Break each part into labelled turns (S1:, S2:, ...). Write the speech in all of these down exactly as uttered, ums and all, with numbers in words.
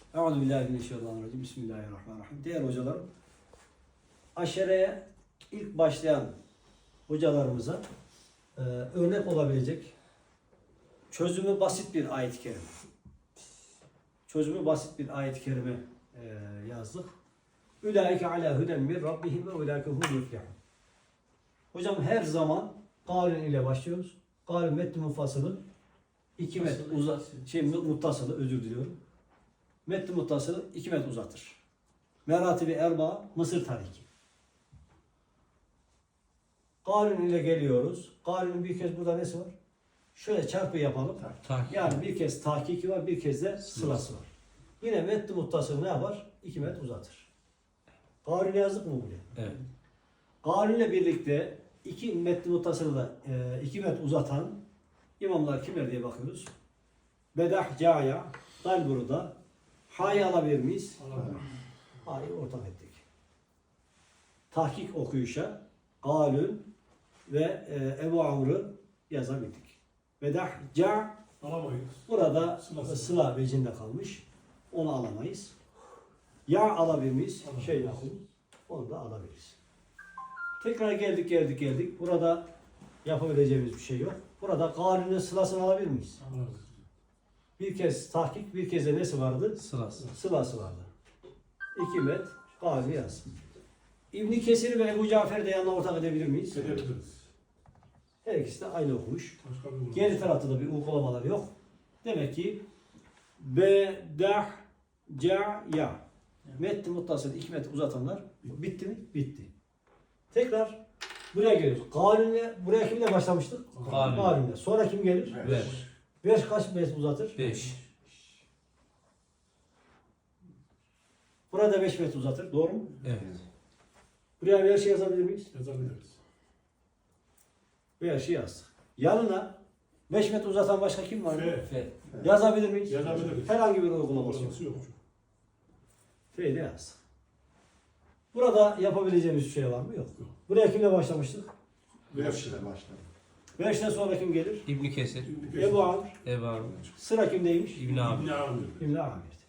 S1: Euzubillahimineşşeytanirracim. Bismillahirrahmanirrahim. Değerli hocalarım, aşereye ilk başlayan hocalarımıza e, örnek olabilecek çözümü basit bir ayet-i kerime. Çözümü basit bir ayet-i kerime e, yazdık. Ulaike ala huden min rabbihim ve ulaike hum yuflihun. Hocam her zaman kavlin ile başlıyoruz. Kavlin metni mufassılı iki met uzat şey muttasılı özür diliyorum. Metni muttasılı iki met uzatır. Meratibi erba Mısır tariki. Kavlin ile geliyoruz. Kavlinin bir kez burada nesi var? Şöyle çarpı yapalım.
S2: Tahkik.
S1: Yani bir kez tahkiki var, bir kez de sılası var. Yine metni muttasılı ne yapar? iki met uzatır. Kavlini yazdık mı buraya?
S2: Evet.
S1: Kavlinle birlikte iki metni muttasılı da e, iki met uzatan imamlar kimler diye bakıyoruz. Bedah, Caya, Dalbur'da Ha'yı alabilir miyiz? Ha'yı ortak ettik. Tahkik okuyuşa Galün ve e, Ebu Amr'ı yazabildik. Bedah, Ca
S3: Alamayız.
S1: burada
S3: Sıla-
S1: sıla vecinde kalmış. Onu alamayız. Ya alabilir miyiz?
S3: Alamayız.
S1: Şey yapın. Onu da alabiliriz. Tekrar geldik geldik geldik. Burada yapabileceğimiz bir şey yok. Burada Galün'ün sılasını alabilir miyiz?
S3: Alamayız.
S1: Bir kez tahkik, bir kez de nesi vardı?
S2: Sırası.
S1: Sılası vardı. İki met Galü yaz. İbn Kesir ve Ebu Cafer de yanına ortak edebilir miyiz?
S3: Edebiliriz.
S1: Her ikisi de aynı okumuş.
S3: Başka bir
S1: Geri tarafta da bir uygulamalar yok. Demek ki be, dah, ca, ya. Metni muttasıl iki met uzatanlar bitti mi? Bitti. Tekrar buraya geliyoruz. Galünle, buraya kimle başlamıştık?
S2: Galün.
S1: Galünle. Sonra kim gelir?
S2: Ver.
S1: Beş kaç met uzatır?
S2: Beş.
S1: Burada beş met uzatır. Doğru mu?
S2: Evet.
S1: Buraya bir şey yazabilir miyiz?
S3: yazabiliriz.
S1: Bir şey yazdık. Yanına beş met uzatan başka kim var?
S3: F.
S2: Fe.
S1: Yazabilir miyiz?
S3: Yazabiliriz.
S1: Herhangi bir uygulaması yok.
S3: Uygulaması yok.
S1: F'de yazdık. Burada yapabileceğimiz bir şey var mı? Yok.
S3: Yok.
S1: Buraya kimle başlamıştık?
S3: Beş.
S4: başladı.
S1: Beşten sonra kim gelir?
S2: İbn Kesir.
S1: Ebu Amr.
S2: Ebu Amr.
S1: Sıra kimdeymiş?
S2: İbn Abi.
S3: İbn Amir.
S1: İbn Amir'di.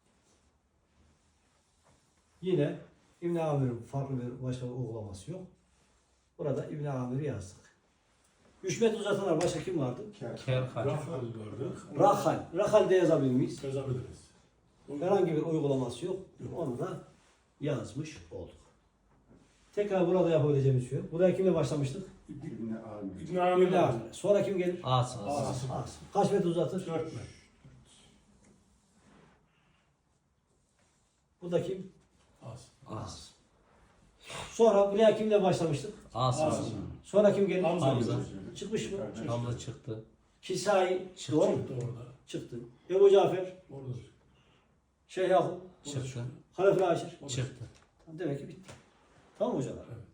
S1: Yine İbn Amir'in farklı bir başka bir uygulaması yok. Burada İbn Amir'i yazdık. Üç met uzatanlar başka kim vardı?
S2: Kerhal.
S3: Rahal vardı.
S1: Rahal. Rahal de yazabilir miyiz?
S3: Yazabiliriz.
S1: Herhangi bir uygulaması yok. Onu da yazmış olduk. Tekrar burada yapabileceğimiz şey yok. Buraya kimle başlamıştık?
S4: İbni Amir.
S3: İbn Amir.
S1: İbn Amir. Sonra kim gelir?
S2: Asım.
S3: Asım.
S1: Asım. Kaç met uzatır?
S3: Dört mü?
S1: Bu da kim?
S3: Az.
S2: Asım.
S1: Sonra buraya kimle başlamıştık?
S2: Asım.
S3: Asım.
S1: Sonra kim gelir?
S3: Hamza.
S2: Hamza.
S1: Çıkmış mı?
S2: Hamza çıktı.
S1: Kisai.
S2: Çıktı.
S1: Doğru mu?
S3: Çıktı orada.
S1: Çıktı. Ebu Cafer.
S3: Orada.
S1: Şeyh Yakup.
S2: Çıktı.
S1: Halef-i Aşir.
S2: Çıktı.
S1: Demek ki bitti. Tamam mı hocalar?
S3: Evet.